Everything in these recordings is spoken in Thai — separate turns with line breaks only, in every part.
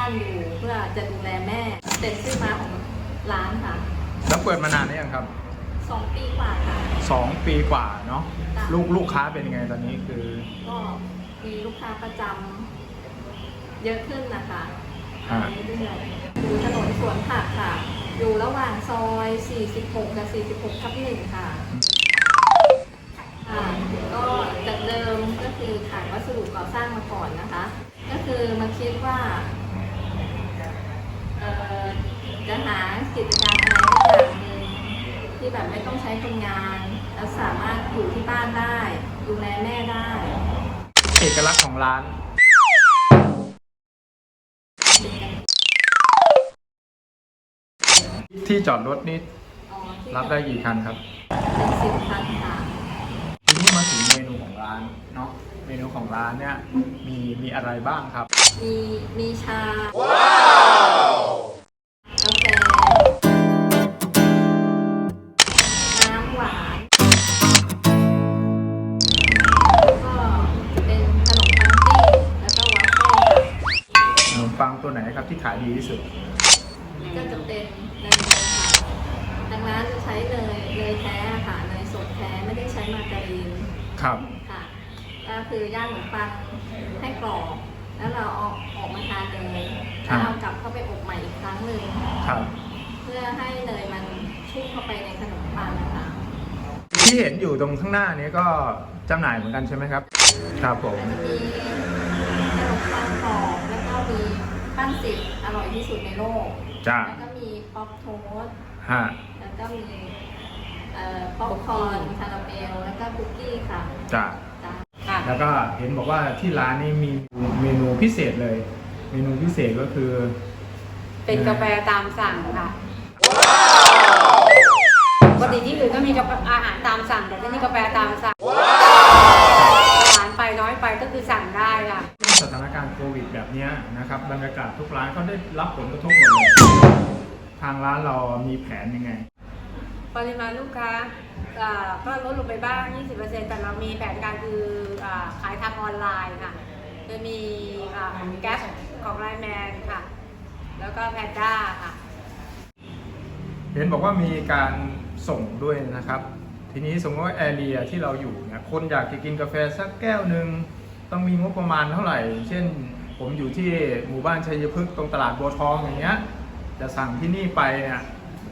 านอยู่เพื่อจะดูแลแม่เป็นชื่อมาของร้านค่ะ
แล้วเปิดมานานหรือยังครับ
2 ปีกว่าค่ะ
2 ปีกว่าเนาะลูกค้าเป็นยังไงตอนนี้คือ
ก็มีลูกค้าประจำเยอะขึ้นนะคะเรื่อยๆอยู่ถนนสวนผักค่ะอยู่ระหว่างซอย46กับ46/1ค่ะก็จากเดิมก็คือขายวัสดุก่อสร้างมาก่อนนะคะก็คือมาคิดว่าจะหากิจการอะไรสักอย่างหนึ่งที่แบบไม่ต้องใช้คนงานแล้วสามารถอยู่ที่บ้านได้ดูแลแม่ได้
เอกลักษณ์ของร้านที่จอดรถนี่รับได้กี่คันครับ
เป็น10 คันค่ะ
ทีนี้มาถึงเมนูของร้านเนาะเมนูของร้านเนี่ยมีอะไรบ้างครับ
มีชาว้าวกาแฟน้ำหวานแล้วก็เป็นขนมปังปิ้งแล้วก็วัฟเฟิลค่ะ
ขนมปังตัวไหนครับที่ขายดีที่สุด
ก็จะเป็นเนยค่ะทางร้านจะใช้เนยแท้ค่ะเนยสดแท้ไม่ได้ใช้มาการีน
ครับ
ค่ะก็คือย่างขนมปังให้กรอบแล้วเราออกมาทานเลยแล้วเอากลับเข้าไปอบใหม่อีกครั้งหนึ่งเพื่อให้เนยมันชุ่มเข้าไปในขนมปังนะคะ
ที่เห็นอยู่ตรงข้างหน้านี้ก็จำหน่ายเหมือนกันใช่ไหมครับครับผม
มีขนมปังกรอบแล้วก็มีปั้นสิบอร่อยที่สุดในโลกแล้วก็มีป๊อปโทสต์แล้วก็มีป๊อปคอร์นคาราเมลแล้วก็คุกกี้ค่ะ
จ้าแล้วก็เห็นบอกว่าที่ร้านนี้มีเมนูพิเศษเลยเมนูพิเศษก็คือ
เป็นกาแฟตามสั่งค่ะปกติที่อื่นก็มีอาหารตามสั่งแต่ที่นี่กาแฟตามสั่งหวานไปน้อยไปก็คือสั่งได้ค่ะ
สถานการณ์โควิดแบบนี้นะครับบรรยากาศทุกร้านเขาได้รับผลกระทบหมดเลยทางร้านเรามีแผนยังไง
ปริมาณลูกค้าก็ลดลงไปบ้าง 20% แต่เรามีแผนการคือขายทางออนไลน์ค่ะจะมีแก๊สของไลน์แมนค่ะแล้วก็แพนด้าค่ะ
เห็นบอกว่ามีการส่งด้วยนะครับทีนี้สมมติว่าแอเรียที่เราอยู่เนี่ยคนอยากจะกินกาแฟสักแก้วหนึ่งต้องมีงบประมาณเท่าไหร่เช่นผมอยู่ที่หมู่บ้านชัยพฤกษ์ตรงตลาดบัวทองอย่างเงี้ยจะสั่งที่นี่ไปเนี่ย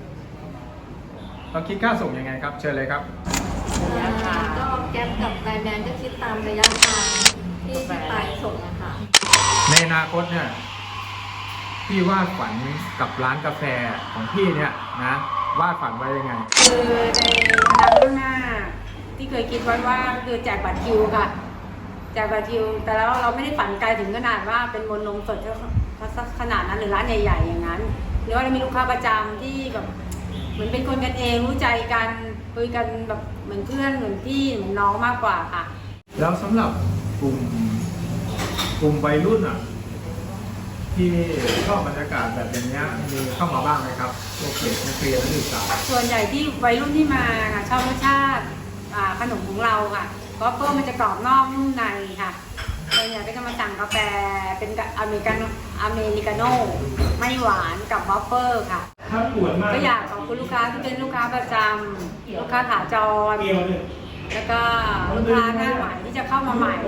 ต้องคิดค่าส่งยังไงครับเชิญเลยครับ
ก็แก๊ปกับไลน์แมนก็คิดตามระยะทางที่ไปส่งนะคะ
ในอนาคตเนี่ยพี่วาดฝันกับร้านกาแฟของพี่เนี่ยนะวาดฝันไว้ยังไง
คือในอนาคตข้างหน้าที่เคยคิดไว้ว่าคือแจกบัตรคิวค่ะแจกบัตรคิวแต่แล้วเราไม่ได้ฝันไกลถึงขนาดว่าเป็นมนต์นมสดขนาดนั้นหรือร้านใหญ่ๆอย่างนั้นหรือว่าเรามีลูกค้าประจำที่แบบเหมือนเป็นคนกันเองรู้ใจกันคุยกันแบบเหมือนเพื่อนเหมือนพี่เหมือนน้องมากกว่าค่ะ
แล้วสำหรับกลุ่มวัยรุ่นอ่ะที่ชอบบรรยากาศแบบอย่างนี้มีเข้ามาบ้างไหมครับโอเคนักเรียนนักศึกษา
ส่วนใหญ่ที่วัยรุ่นที่มาค่ะชอบรสชาติขนมของเราค่ะเพราะเพิ่มมันจะกรอบนอกนุ่มในค่ะส่วนใหญ่ก็จะมาสั่งกาแฟเป็นอเมริกาโน่ไม่หวานกับวอฟเฟิลค่ะก็อยากขอบคุณลูกค้าที่เป็นลูกค้าประจำลูกค้าขาจรแล้วก็ลูกค้าหน้าใหม่ที่จะเข้ามาใหม่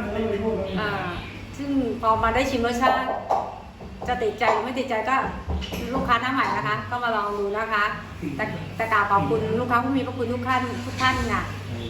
ซึ่งพอมาได้ชิมรสชาติจะติดใจหรือไม่ติดใจก็ลูกค้าหน้าใหม่นะคะก็มาลองดูนะคะแต่กล่าวขอบคุณลูกค้าผู้มีพระคุณทุกท่านค่ะ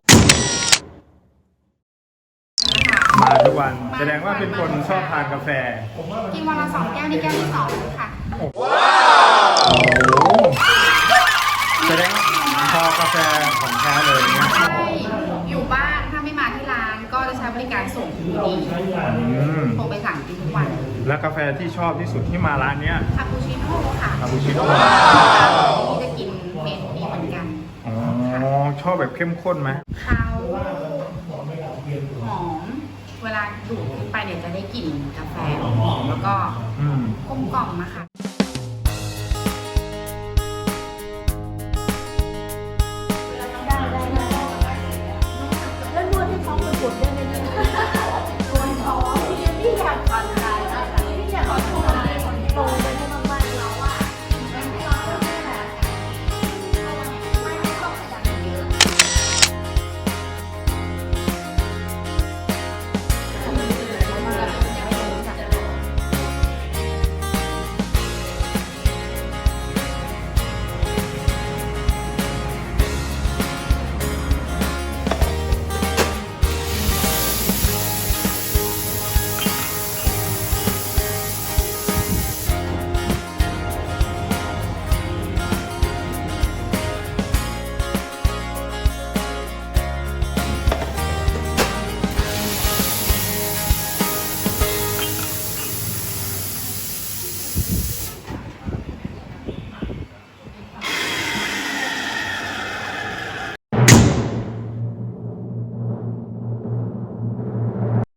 มาทุกวันแสดงว่าเป็นคนชอบทานกาแฟ
กินวันละ2 แก้วนี่แก้วที่2ค่ะ
ว้าวแสดงพอกาแฟของแท้เลยเนี่ย
ใช่อยู่บ้านถ้าไม่มาที่ร้านก็จะใช้บริการส่งถึงที่โทรไปสั่งกินทุกวัน
แล้วกาแฟที่ชอบที่สุดที่มาร้านเนี้ย
คาปูชิโน่ค่ะ
คาปูชิโน่
ที่จะกินเมนูนี้เหมือนกัน
อ๋อชอบแบบเข้มข้นไหม
เขาหอมเวลาดูดไปเนี่ยจะได้กลิ่นกาแฟหอมแล้วก็กลมกล่อมนะคะ